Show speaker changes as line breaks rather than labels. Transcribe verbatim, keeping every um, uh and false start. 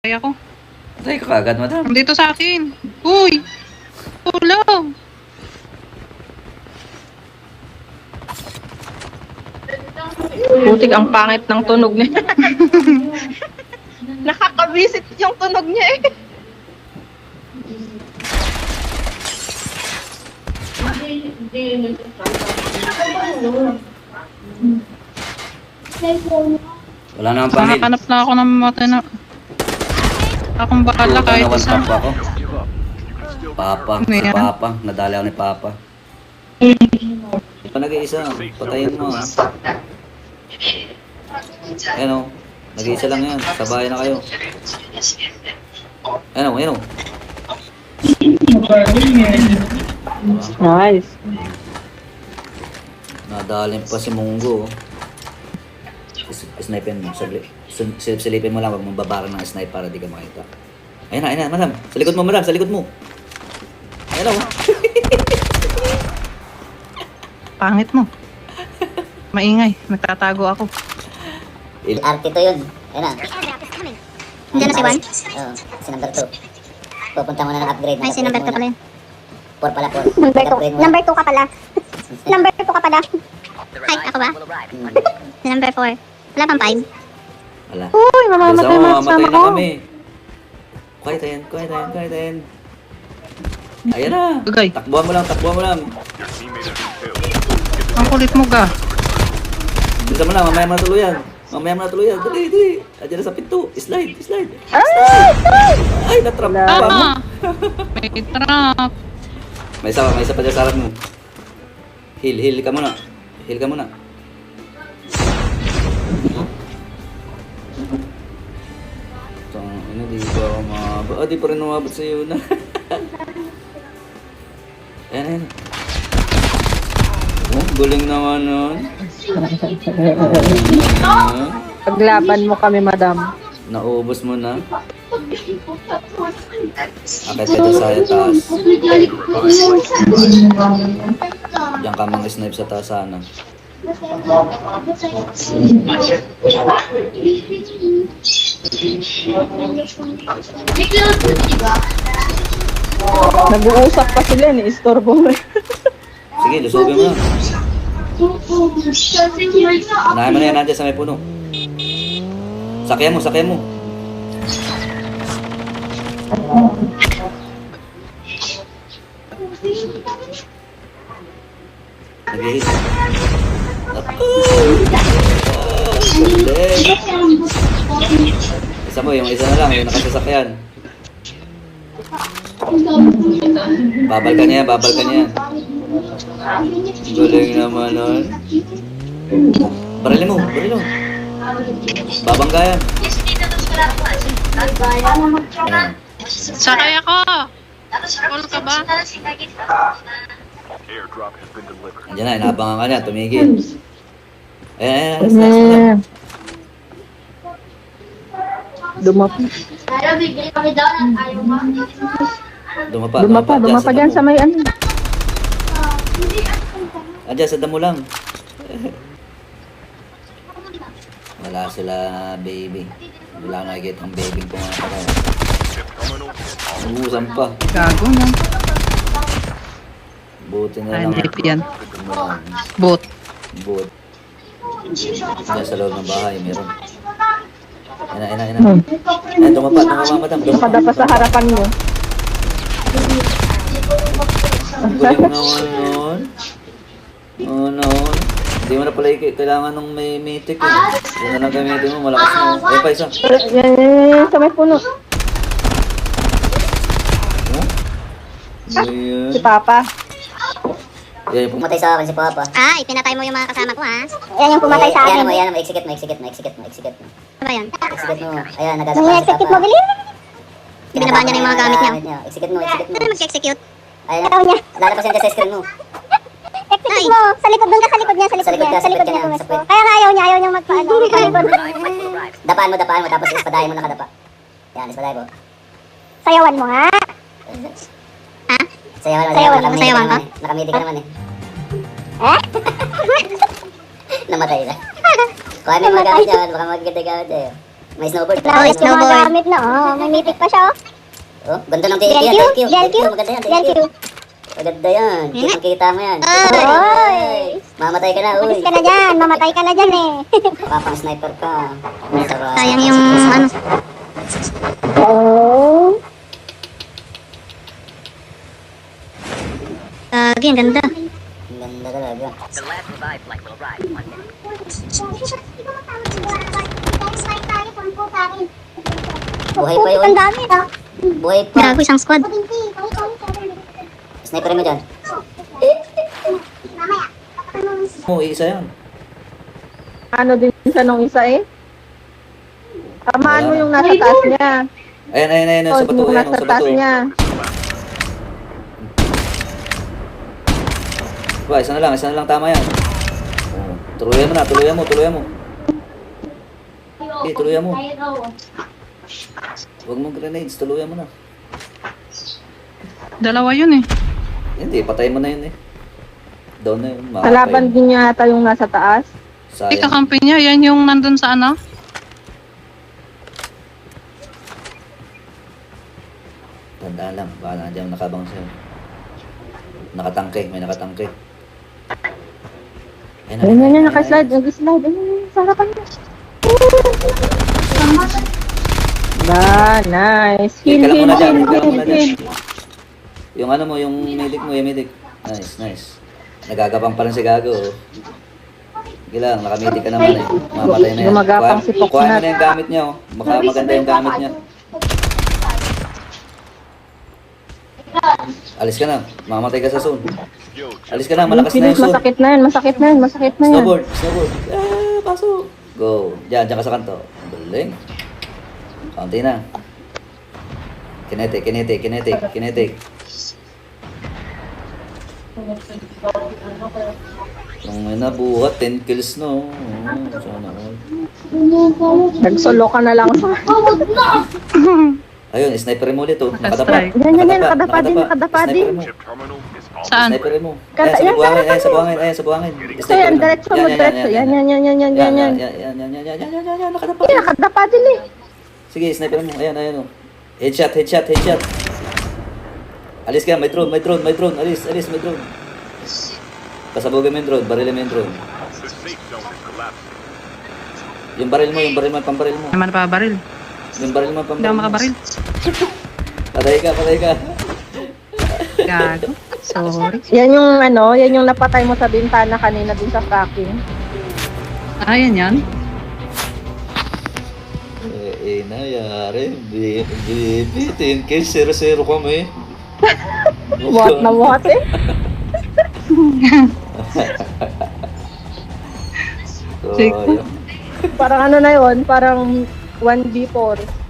Kaya ko.
Patay ka kagad, madam.
Dito sa akin. Uy! Tulong!
Butik ang pangit ng tunog niya. Nakakabisit yung tunog niya eh.
Wala naman pangil.
Nakakanap na ako ng matay na... Akong bakala kahit
One
isa.
tap ako. Papa,
Ano
si
yan?
Papa. Nadali ako ni Papa. Pa nag-iisa, patayin mo. ah. Ayan o. Nag-iisa lang yan. Sabayan na kayo. Ayan o, ayan o.
Nice.
Nadalin pa si Munggo. Is- Snipin mo, saglit. Sul- Silipin mo lang, wag mong babarang ng snipe para di ka makita. Ayan na, ayan na, madam. Sa likod mo, madam, sa likod mo. Ayan o.
Pangit mo. Maingay. Nagtatago ako.
Il-
R T two yun. Ayun na.
Diyan na si Juan?
Oo, si number two. Pupunta mo na ng upgrade.
Ay, si number two pala yun.
four pala, four.
Number two.
Upgrade mo na.
Number two ka pala. Number two ka pala. Ay, ako ba?
Hmm.
Si number four. Wala pang five.
Wala.
Uy,
Bilisan
mamamatay
mo,
mga
mamatay
kasama
na
ko.
kami. Quiet ayan, quiet ayan, quiet ayan. Ayan na.
Agay.
Takbuhan mo lang, takbuhan mo lang.
Ang kulit mo ga.
Bilisan mo lang, mamaya mo na tuluyan. Mamaya mo na tuluyan. Dali, dali. Ayan na sa pinto. Slide, slide. Ay, natrap pa mo.
Tama! May trap.
May isa pa, may isa pa dyan sa harap mo. Heal, heal ka muna. Heal ka muna. Tang, ano, di pa ako mababa. Ah, di pa rin umabot sa iyo na. Ayan, ayan. Oh, galing naman nun. Ah,
Paglaban mo kami, madam.
naubos mo na. Akit ka dyan sa taas. Diyan ka mga snipe sa taas sana.
Nag-uusap pa sila, ni-istorbo mo.
Sige, lusogin mo na. Unahin mo na yan nandiyan sa may puno. Sakyan mo, sakyan mo. Nag-hit. Ako! Galing. Isa mo, yung isa na lang, yung nakasasakyan. Babal ka niya, babal ka niya. Galing naman nun. Barilin mo, barilin mo. Babangga yan. Ayan.
Sakay ako! Call ka ba?
Andiyan na, inaabangan ka niya, tumigil. Ayan, ayan, ayan, last, last, last.
Dumapa.
Dumapa,
Dumapa, dumapa
dyan
dyan sa may ano.
Andiyan, sa damo lang. Wala sila, baby. Wala nakikita ang baby ko nga pala. Ubusan pa.
Gago na.
Buti na
Ay,
lang.
hindi yan.
Ano lang,
Bot.
Boot. Diyan sa loob ng bahay, meron. Ayan na, ayan na, ayan na.
Hmm.
Ayan, dumapa, dumapa, madam. Dumapa.
Nakadapa sa harapan mo.
Ang galing naman nun. Oo, noon. Hindi mo na pala ik- kailangan ng may mythic eh. Yan na lang gamitin mo, malakas mo. Ayun pa isa.
Yan, yan, yan, sa may puno.
Oh? Ayan.
Si Papa.
Yan yung pum-
Pumatay sa akin si Papa.
Ay, pinatay mo yung mga kasama ko, ha?
Yan yung pumatay sa akin. Yan mo, yan mo. Execute mo, execute mo, execute mo, execute mo.
Ano ba yun?
Execute mo. Ayan,
Nung
nagagawa si
execute
Papa.
mo, bilis. Binabahan niya na yung mga gamit niya.
Execute mo, execute mo.
Ano mag-execute?
Ayan,
Galaw niya.
lalabas yan dyan sa screen mo.
Execute mo. Sa likod, doon ka sa likod niya, sa likod
Sa likod
niya.
ka,
Sa likod
sa
niya
likod
pumesto.
niya.
Kaya nga ayaw niya, ayaw niyang magpaano.
Dapaan mo, dapaan mo, tapos ispadahin mo nakadapa. Yan, ispadahin mo.
Sayawan mo nga. Ha?
Sayawan mo,
Sayawan,
nakamiti
sayawan
ka naman eh. Nakamiti ka naman eh.
Eh?
Namatay na. Kuha mo yung mga gamit yan, baka magaganda gamit eh. May snowboard.
Wala
May
ulit yung mga gamit na. Oh, may mythic pa siya. Oh.
Oh, ganda ng
D L Q?
T L Q.
D L Q?
Maganda yan,
D L Q.
Maganda yan. Kitang kita mo yan.
Oy!
Mamatay ka na, uy.
Ulis ka na dyan. Mamatay ka na dyan eh.
Papang sniper ka. Sarap.
Sayang yung ano. Oh. Lagi, ang ganda.
Ang ganda talaga. Buhay pa yun.
Ang dami ah.
Buhay pa.
Gago, isang squad.
Sniper mo dyan.
Oh, isa yan.
Ano din siya nung isa eh? Tamaan mo yung nasa taas niya.
Ayan, ayan, ayan,
Oh,
sa bato,
yung
ayan,
nasa
sa
taas
bato.
niya.
Ba, isa na lang, isa na lang tama yan. Oh, tuluyan mo na, tuluyan mo, tuluyan mo. Okay, tuluyan mo. Huwag mong grenades, tuluyan mo na.
Dalawa yun eh.
Hindi, patay mo na yun eh. Down na yun, makakapay.
Kalaban din niya yata yung nasa taas.
Hindi,
Sayang.
kakampi niya. Yan yung nandun sa ano.
Tandaan lang, baka nandiyan nakabang sa'yo. Nakatangke, may nakatangke. Ayun na,
Ayun yan,
ayun
yan,
na,
nakaslide,
ayun na.
nakaslide. Ayun, ayun, sa harapan niya. Ba, nice. Heal,
Hit ka lang
heal,
muna dyan,
heal,
hit ka lang
heal,
muna dyan.
heal.
Yung ano mo, yung medic mo, yung medic. Nice, nice. Nagagapang pa rin si Gago. oh. Sige lang, nakamedic ka naman eh. Mamatay na yan.
Gumagapang
Kuha-
si Poknat.
Kuha mo na yung gamit niya oh. Baka maganda yung gamit niya. Alis ka na, mamatay ka sa zone. Alis ka na, malakas na
Bilis,
yung zone.
masakit na yan, masakit na yan, masakit na yan.
Snowboard, snowboard. Ah, pasok. Go. Diyan, diyan ka sa kanto. Galing. Kaunti na. Kinetic, kinetic, kinetic, kinetic. Nung may nabuhat, ten kills na. Oh. Oh, sana all.
Nagsolo ka na lang sa...
Ayun, sniper mo ulit oh.
Naka-strike.
Yan, yan, yan, nakadapa din, nakadapa din.
Sniper mo.
Saan?
Sniper mo.
Kata-
Ayan, sa
yan,
buhangin,
sa
ayan, sa buhangin, ayan, sa buhangin.
So yan, diretso mo, diretso. Yan, yan, yan, yan, yan, yan, yan.
Yan, yan, yan, yan, yan, yan, yan, yan, yan, nakadapa.
Yan, nakadapa din eh.
Sige, sniper mo. Ayan, ayan oh. Headshot, headshot, headshot. Alis ka, may drone, may drone, may drone. Alis, alis, may drone. Pasabugin mo yung drone, barilin mo yung drone. Yung baril mo, yung baril mo, pambaril mo.
Naman pa baril.
Yung baril mo,
Hindi
pambaril
ako
mo.
makabaril.
Patay ka, patay ka.
Gago. Sorry.
Yan yung ano, yan yung napatay mo sa bintana kanina dun sa fracking.
Ah, yan yan.
Eh, eh, nayari. Baby, ten kills, zero zero kami.
What na what eh?
So,
Sige.
ayun.
Parang ano na yon, parang one v four.